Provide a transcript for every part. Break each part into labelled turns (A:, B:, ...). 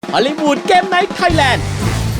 A: ฮอลลีวูดเกมไนท์ไทยแลนด์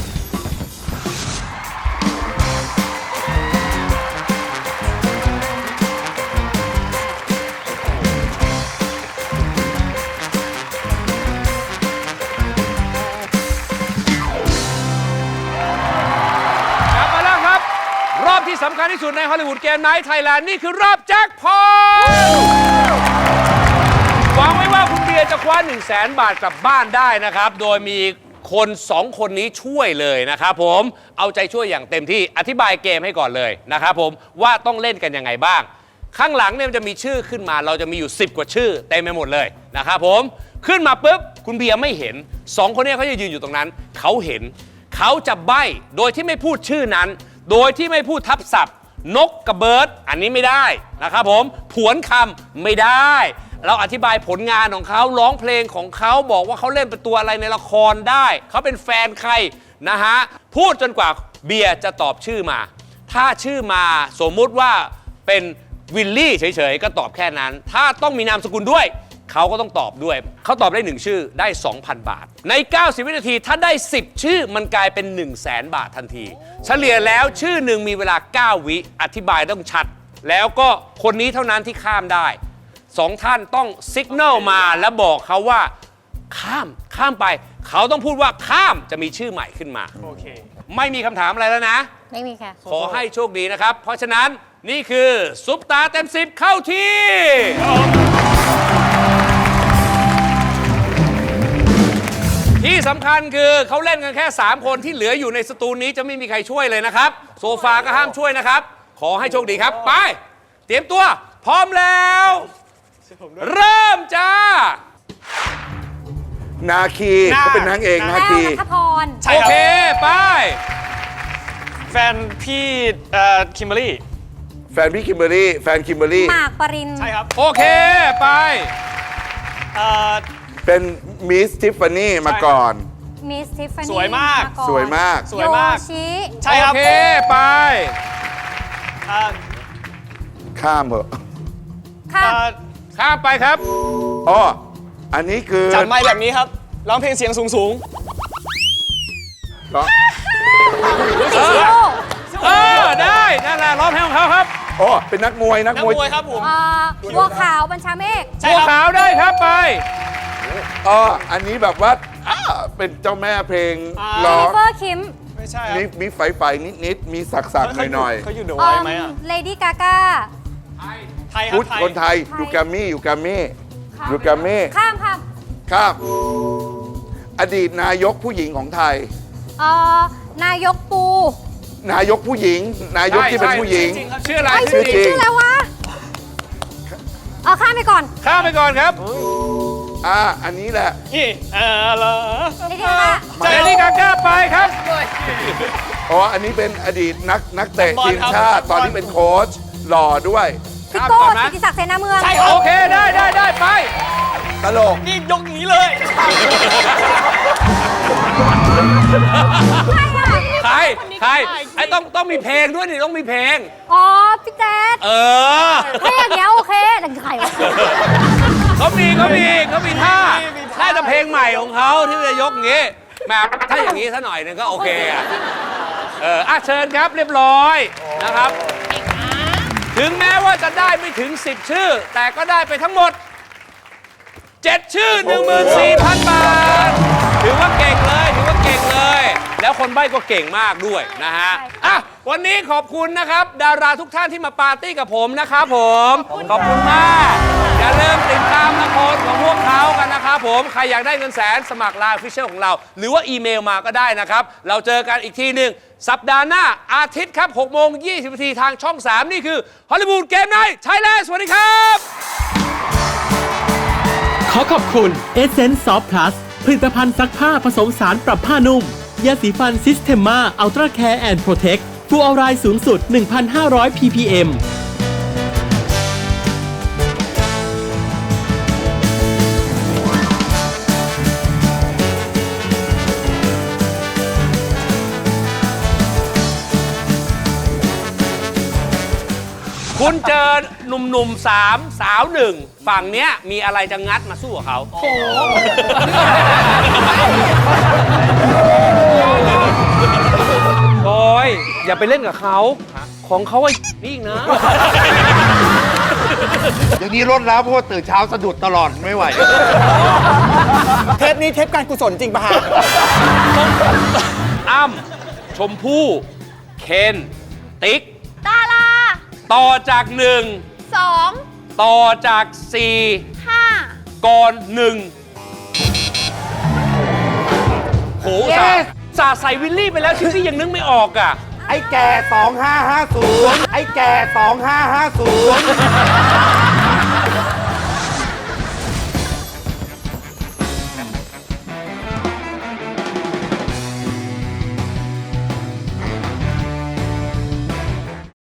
B: รอบที่สำคัญที่สุดในฮอลลีวูดเกมไนท์ไทยแลนด์นี่คือรอบแจ็คพอตหวังไว้ว่าคุณเบียร์จะคว้า 100,000 บาทกลับบ้านได้นะครับ โดยมีคน2คนนี้ช่วยเลยนะครับผมเอาใจช่วยอย่างเต็มที่อธิบายเกมให้ก่อนเลยนะครับผมว่าต้องเล่นกันยังไงบ้างข้างหลังเนี่ยมันจะมีชื่อขึ้นมาเราจะมีอยู่10 กว่าชื่อเต็มไปหมดเลยนะครับผมขึ้นมาปุ๊บคุณเบียร์ไม่เห็น2คนนี้เขาจะยืนอยู่ตรงนั้นเขาเห็นเขาจะใบ้โดยที่ไม่พูดชื่อนั้นโดยที่ไม่พูดทับศัพท์นกกับเบิร์ดอันนี้ไม่ได้นะครับผมผวนคำไม่ได้เราอธิบายผลงานของเขาร้องเพลงของเขาบอกว่าเขาเล่นเป็นตัวอะไรในละครได้เขาเป็นแฟนใครนะฮะพูดจนกว่าเบียร์จะตอบชื่อมาถ้าชื่อมาสมมุติว่าเป็นวิลลี่เฉยๆก็ตอบแค่นั้นถ้าต้องมีนามสกุลด้วยเขาก็ต้องตอบด้วยเขาตอบได้1ชื่อได้ 2,000 บาทใน90วินาทีถ้าได้10ชื่อมันกลายเป็น 100,000 บาททันทีเฉลี่ยแล้วชื่อหนึ่งมีเวลา9วิอธิบายต้องชัดแล้วก็คนนี้เท่านั้นที่ข้ามได้2ท่านต้องสัญญาณมาแล้วบอกเขาว่าข้ามไปเขาต้องพูดว่าข้ามจะมีชื่อใหม่ขึ้นมาโอเคไม่มีคำถามอะไรแล้วนะ
C: ไม่มีค่ะ
B: ขอให้โชคดีนะครับเพราะฉะนั้นนี่คือซุปตาเต็ม10เข้าที่ที่สำคัญคือเขาเล่นกันแค่3คนที่เหลืออยู่ในสตูนี้จะไม่มีใครช่วยเลยนะครับโซฟาก็ห้ามช่วยนะครับขอให้โชคดีครับไปเตรียมตัวพร้อมแล้วเริ่มจ้า
D: นาคีเขาเป็นนางเอกนาคี
C: นัทพร
B: โอเคไป
E: แฟนพี่คิมเบอรี่
D: แฟนพี่คิมเบอรี่แฟนคิมเบอรี่
C: หมากปริน
E: ใช่ครับ
B: โอเคไป
D: เป็นมิสทิฟฟานี่มาก่อน
C: มิสทิฟฟานี่
E: สวยมาก
D: สวยมาก
E: สวยมาก
C: โยชิ
E: ใช่ครับ
B: โอเคไป
D: ข้ามเหอะ
B: ข้ามไปครับ
D: อ๋ออันนี้คือ
E: จับไมค์แบบนี้ครับร้องเพลงเสียงสูง
D: เหรอ
B: ได้นั่นแหละร้องเพลงของเขาครับ
D: อ๋อเป็นนักมวย
E: ครับผม
C: บัวขาวบัญชาเมฆ
B: บัวขาวได้ครับไป
D: อ๋ออันนี้แบบว่าเป็นเจ้าแม่เพลงร้อง
C: เฟอร์คิม
E: ไม่ใช่
D: มีไฟนิดมีสักหน่อย
E: เขาอยู่เดอะไวท์ไหมอ่ะ
C: เลดี้กาก้า
E: ไทย
D: พุทธคนไทยยูกามิข้ามอดีตนายกผู้หญิงของไทย
C: นายกปู
D: นายกผู้หญิงนายกที่เป็นผู้หญิง
B: ชื่ออะไร
D: ชื่อจริง
C: แล้ววะข้ามไปก่อน
B: ครับ
D: อันนี้แหละ
E: นี่
B: เลดี้กาก้าไปครับ
D: อ๋ออันนี้เป็นอดีตนักเตะทีมชาติตอนนี้เป็นโค้ชหล่อด้วย
C: พี่โก้กิติศักดิ์เสนาเมือง
B: โอเคได้ไป
D: ตลก
E: นี่ยกนี้เลย
B: ใครไอ้ต้องมีเพลงด้วยนี่ต้องมีเพลง
C: พี่แจ๊ดถ้าอย่างเงี้ยโอเคแต่ใครวะ
B: เขามีท่าน่าจะเพลงใหม่ของเขาที่จะยกอย่างงี้แบบถ้าอย่างงี้ซะหน่อยนึงก็โอเคเชิญครับเรียบร้อยนะครับถึงแม้ว่าจะได้ไม่ถึง10ชื่อแต่ก็ได้ไปทั้งหมด7ชื่อ 14,000 บาทถือว่าเก่งเลยแล้วคนใบ้ก็เก่งมากด้วยนะฮะวันนี้ขอบคุณนะครับดาราทุกท่านที่มาปาร์ตี้กับผมนะครับผมขอบคุณมากอย่าลืมติดตามละครของพวกเขากันนะครับผมใครอยากได้เงินแสนสมัครไลน์ Official ของเราหรือว่าอีเมลมาก็ได้นะครับเราเจอกันอีกทีหนึ่งสัปดาห์หน้าอาทิตย์ครับ 6:20 นาทีทางช่อง 3 นี่คือฮอลลีวูดเกมไนท์ไทยแลนด์สวัสดีครับ
A: ขอขอบคุณ Essence Soft Plus ผลิตภัณฑ์ซักผ้าผสมสารปรับผ้านุ่มยาสีฟัน Systema Ultra Care and Protect ฟลูออไรด์สูงสุด 1,500 ppm
B: คุณเจอหนุ่มๆ3 สาว 1ฝั่งเนี้ยมีอะไรจะงัดมาสู้กับเขาอย่าไปเล่นกับเขา ของเขาไอ้นี่อีกนะ
F: เดี๋ยวนี้ลดแล้วเพราะว่าตื่นเช้าสะดุดตลอดไม่ไหว
G: เทปนี้เทปการกุศลจริงป่ะฮะ
B: อ้ำชมพู่เคนติ๊ก
C: ดารา
B: ต่อจากหนึ่ง
C: 2
B: ต่อจากสี่
C: 5
B: ก่อนหนึ่งโหสาใส่วิลลี่ไปแล้วชิปปี้ยังนึกไม่ออกอ่ะ
F: ไอ้แก่ 2550 ไอ้แก่ 2550